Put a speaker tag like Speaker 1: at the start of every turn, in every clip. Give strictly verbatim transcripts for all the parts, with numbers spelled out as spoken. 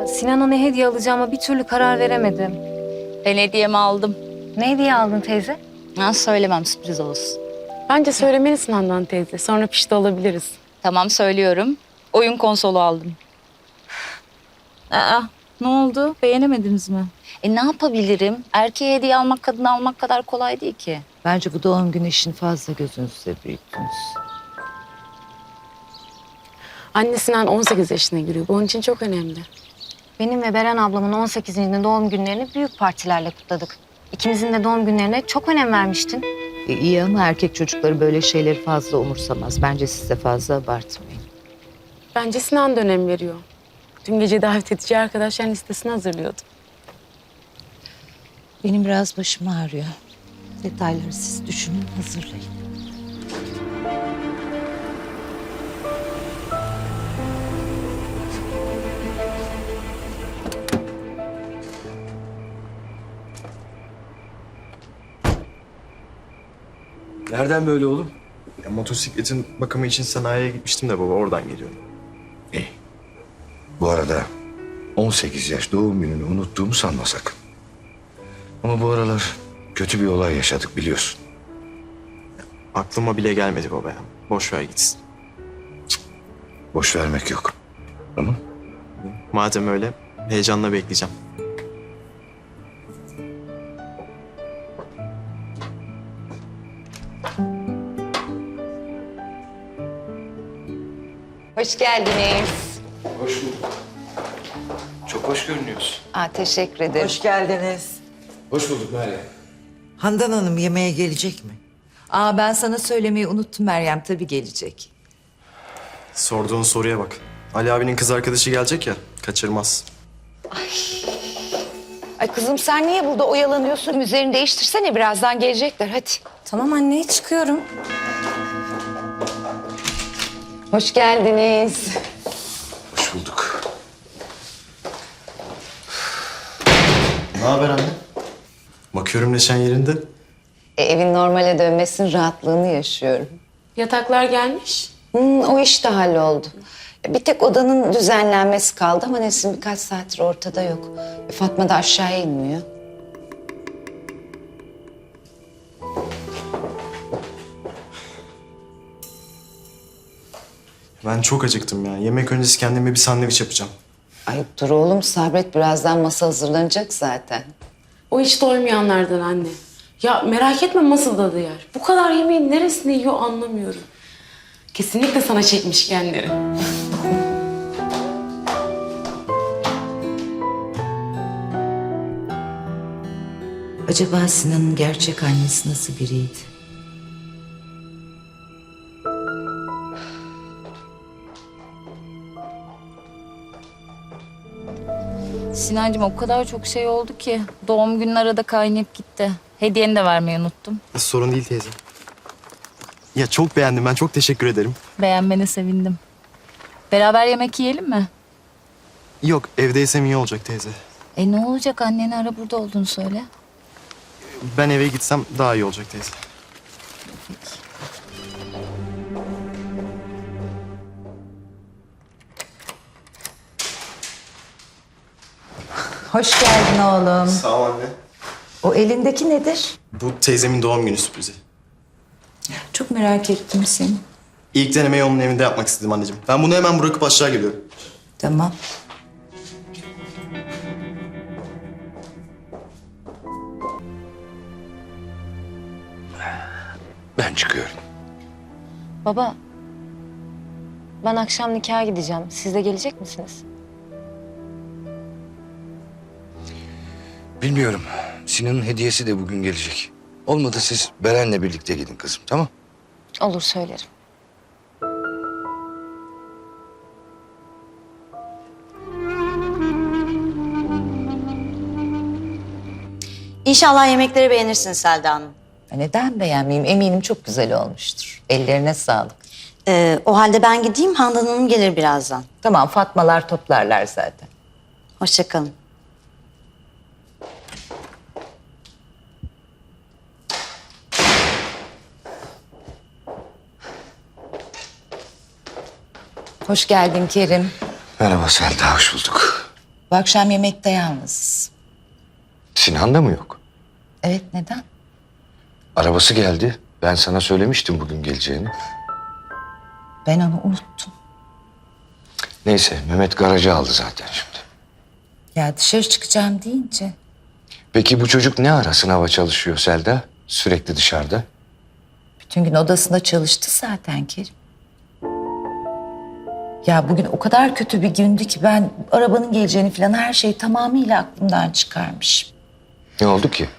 Speaker 1: Sinan'a ne hediye alacağıma bir türlü karar veremedim.
Speaker 2: Ben hediyemi aldım.
Speaker 1: Ne hediye aldın teyze?
Speaker 2: Ha, söylemem, sürpriz olsun.
Speaker 3: Bence söylemelisin Handan teyze. Sonra pişti olabiliriz.
Speaker 2: Tamam, söylüyorum. Oyun konsolu aldım. Aa, ne oldu? Beğenemediniz mi? E ne yapabilirim? Erkeğe hediye almak, kadına almak kadar kolay değil ki.
Speaker 4: Bence bu doğum günü işini fazla gözünüzde büyüttünüz.
Speaker 3: Anne Sinan on sekiz yaşına giriyor. Bu onun için çok önemli.
Speaker 1: Benim ve Beren ablamın on sekizinci doğum günlerini büyük partilerle kutladık. İkimizin de doğum günlerine çok önem vermiştin.
Speaker 4: E, iyi ama erkek çocukları böyle şeyleri fazla umursamaz. Bence siz de fazla abartmayın.
Speaker 3: Bence Sinan da önem veriyor. Dün gece davet edeceği arkadaşlar listesini hazırlıyordu.
Speaker 4: Benim biraz başım ağrıyor. Detayları siz düşünün, hazırlayın.
Speaker 5: Nereden böyle oğlum?
Speaker 6: Ya, motosikletin bakımı için sanayiye gitmiştim de baba, oradan geliyorum.
Speaker 5: İyi. Bu arada on sekiz yaş doğum gününü unuttuğumu sanma sakın. Ama bu aralar kötü bir olay yaşadık biliyorsun.
Speaker 6: Aklıma bile gelmedi baba ya. Boş ver gitsin.
Speaker 5: Boş vermek yok. Tamam?
Speaker 6: Madem öyle, heyecanla bekleyeceğim.
Speaker 4: Hoş geldiniz.
Speaker 5: Hoş bulduk. Çok hoş görünüyorsun.
Speaker 4: Aa, teşekkür ederim.
Speaker 7: Hoş geldiniz.
Speaker 5: Hoş bulduk Meryem.
Speaker 7: Handan Hanım yemeğe gelecek mi?
Speaker 4: Aa, ben sana söylemeyi unuttum Meryem. Tabii gelecek.
Speaker 6: Sorduğun soruya bak. Ali abinin kız arkadaşı gelecek ya, kaçırmaz.
Speaker 4: Ay kızım sen niye burada oyalanıyorsun? Üzerini değiştirsene, birazdan gelecekler. Hadi.
Speaker 1: Tamam anne, çıkıyorum.
Speaker 4: Hoş geldiniz.
Speaker 5: Hoş bulduk.
Speaker 6: Ne haber anne? Bakıyorum neşen yerinde.
Speaker 4: E, evin normale dönmesinin rahatlığını yaşıyorum.
Speaker 3: Yataklar gelmiş.
Speaker 4: Hmm, o iş de halloldu. Bir tek odanın düzenlenmesi kaldı ama Nesin birkaç saattir ortada yok. E, Fatma da aşağıya inmiyor.
Speaker 6: Ben çok acıktım ya. Yemek öncesi kendime bir sandviç yapacağım.
Speaker 4: Ay dur oğlum sabret, birazdan masa hazırlanacak zaten.
Speaker 3: O hiç doymayanlardan anne. Ya merak etme masada da yer. Bu kadar yemeğin neresini yiyor anlamıyorum. Kesinlikle sana çekmiş kendini.
Speaker 4: Acaba Sinan'ın gerçek annesi nasıl biriydi?
Speaker 2: Sinancığım, o kadar çok şey oldu ki. Doğum günün arada kaynayıp gitti. Hediyeni de vermeyi unuttum.
Speaker 6: Sorun değil teyze. Ya çok beğendim, ben çok teşekkür ederim.
Speaker 2: Beğenmene sevindim. Beraber yemek yiyelim mi?
Speaker 6: Yok, evdeysem iyi olacak teyze.
Speaker 2: E ne olacak, anneni ara, burada olduğunu söyle.
Speaker 6: Ben eve gitsem daha iyi olacak teyze.
Speaker 4: Hoş geldin oğlum.
Speaker 6: Sağ ol anne.
Speaker 4: O elindeki nedir?
Speaker 6: Bu teyzemin doğum günü sürprizi.
Speaker 4: Çok merak ettim seni.
Speaker 6: İlk denemeyi onun evinde yapmak istedim anneciğim. Ben bunu hemen bırakıp aşağı geliyorum.
Speaker 4: Tamam.
Speaker 5: Ben çıkıyorum.
Speaker 1: Baba, ben akşam nikaha gideceğim. Siz de gelecek misiniz?
Speaker 5: Bilmiyorum. Sinan'ın hediyesi de bugün gelecek. Olmadı siz Beren'le birlikte gidin kızım, tamam?
Speaker 1: Olur, söylerim.
Speaker 8: İnşallah yemekleri beğenirsiniz Selda Hanım.
Speaker 4: Neden beğenmeyeyim? Eminim çok güzel olmuştur. Ellerine sağlık.
Speaker 8: Ee, o halde ben gideyim, Handan Hanım gelir birazdan.
Speaker 4: Tamam, Fatmalar toplarlar zaten.
Speaker 8: Hoşça kalın.
Speaker 4: Hoş geldin Kerim.
Speaker 5: Merhaba Selda, hoş bulduk.
Speaker 4: Bu akşam yemekte yalnızız.
Speaker 5: Sinan da mı yok?
Speaker 4: Evet, neden?
Speaker 5: Arabası geldi. Ben sana söylemiştim bugün geleceğini.
Speaker 4: Ben onu unuttum.
Speaker 5: Neyse Mehmet garajı aldı zaten şimdi.
Speaker 4: Ya dışarı çıkacağım deyince.
Speaker 5: Peki bu çocuk ne ara sınava çalışıyor Selda? Sürekli dışarıda.
Speaker 4: Bütün gün odasında çalıştı zaten Kerim. Ya bugün o kadar kötü bir gündü ki ben arabanın geleceğini falan her şeyi tamamıyla aklımdan çıkarmışım.
Speaker 5: Ne oldu ki?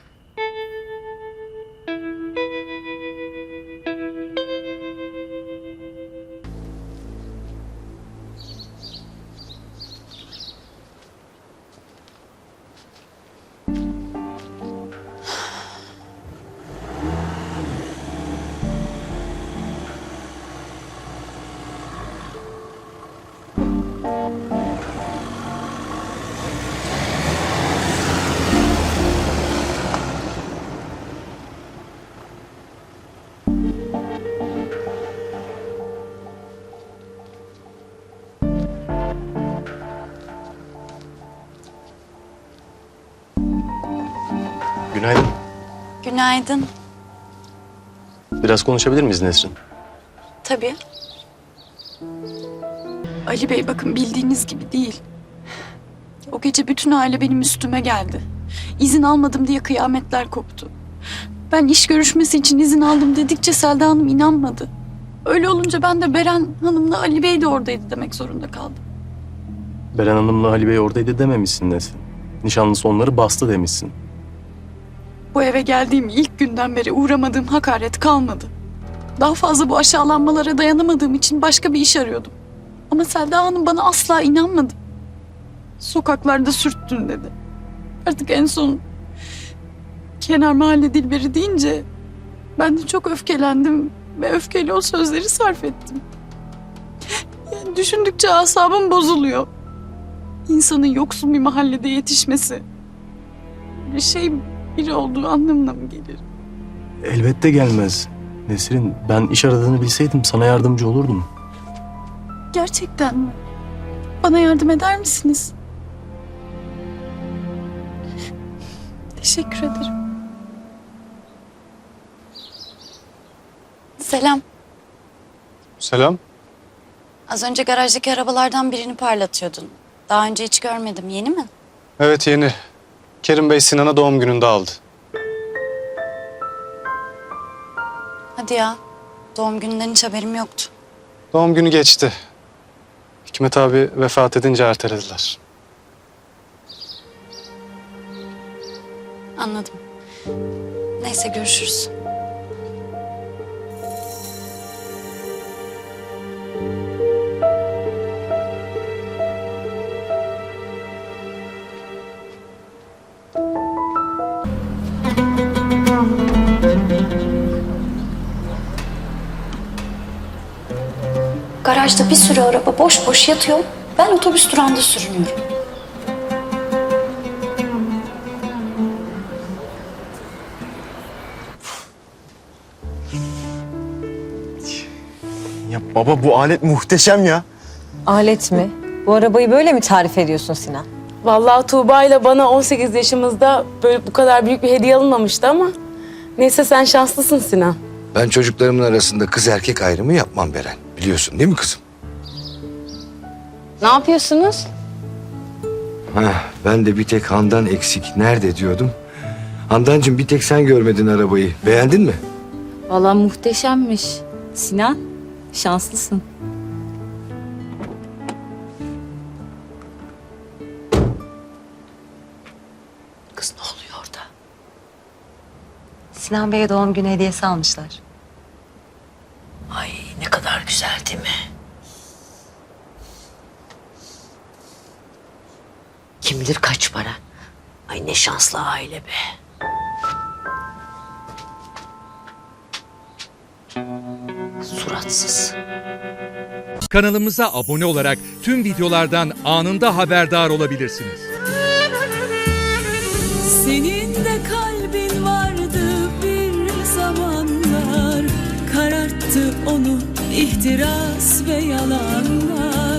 Speaker 6: Günaydın.
Speaker 9: Günaydın.
Speaker 6: Biraz konuşabilir miyiz Nesrin?
Speaker 9: Tabii. Ali Bey bakın bildiğiniz gibi değil. O gece bütün aile benim üstüme geldi. İzin almadım diye kıyametler koptu. Ben iş görüşmesi için izin aldım dedikçe Selda Hanım inanmadı. Öyle olunca ben de Beren Hanım'la Ali Bey de oradaydı demek zorunda kaldım.
Speaker 6: Beren Hanım'la Ali Bey oradaydı dememişsin Nesrin. Nişanlısı onları bastı demişsin.
Speaker 9: Bu eve geldiğim ilk günden beri uğramadığım hakaret kalmadı. Daha fazla bu aşağılanmalara dayanamadığım için başka bir iş arıyordum. Ama Selda Hanım bana asla inanmadı. Sokaklarda sürttün dedi. Artık en son kenar mahalle Dilberi deyince ben de çok öfkelendim ve öfkeyle o sözleri sarf ettim. Yani düşündükçe asabım bozuluyor. İnsanın yoksul bir mahallede yetişmesi bir şey biri olduğu anlamına mı gelir?
Speaker 6: Elbette gelmez. Nesrin, ben iş aradığını bilseydim sana yardımcı olurdum.
Speaker 9: Gerçekten mi? Bana yardım eder misiniz? Teşekkür ederim. Selam.
Speaker 10: Selam.
Speaker 8: Az önce garajdaki arabalardan birini parlatıyordun. Daha önce hiç görmedim. Yeni mi?
Speaker 10: Evet yeni. Kerim Bey Sinan'a doğum gününde aldı.
Speaker 8: Hadi ya. Doğum gününden hiç haberim yoktu.
Speaker 10: Doğum günü geçti. Hikmet abi vefat edince ertelediler.
Speaker 8: Anladım. Neyse görüşürüz. Garajda bir sürü araba boş boş yatıyor. Ben otobüs durağında sürünüyorum.
Speaker 6: Ya baba bu alet muhteşem ya.
Speaker 11: Alet mi? Bu arabayı böyle mi tarif ediyorsun Sinan?
Speaker 3: Vallahi Tuğba ile bana on sekiz yaşımızda böyle bu kadar büyük bir hediye alınmamıştı ama neyse sen şanslısın Sinan.
Speaker 5: Ben çocuklarımın arasında kız erkek ayrımı yapmam Beren. Biliyorsun değil mi kızım?
Speaker 11: Ne yapıyorsunuz?
Speaker 5: Heh, ben de bir tek Handan eksik. Nerede diyordum. Handancığım bir tek sen görmedin arabayı. Beğendin mi?
Speaker 2: Vallahi muhteşemmiş. Sinan, şanslısın.
Speaker 4: Kız ne oluyor orada?
Speaker 11: Sinan Bey'e doğum günü hediyesi almışlar.
Speaker 4: Ay ne kadar güzel değil mi? Kim bilir kaç para. Ay ne şanslı aile be. Suratsız.
Speaker 12: Kanalımıza abone olarak tüm videolardan anında haberdar olabilirsiniz.
Speaker 13: Senin de kalbin vardı bir zamanlar, kararttı onu ihtiras ve yalanlar.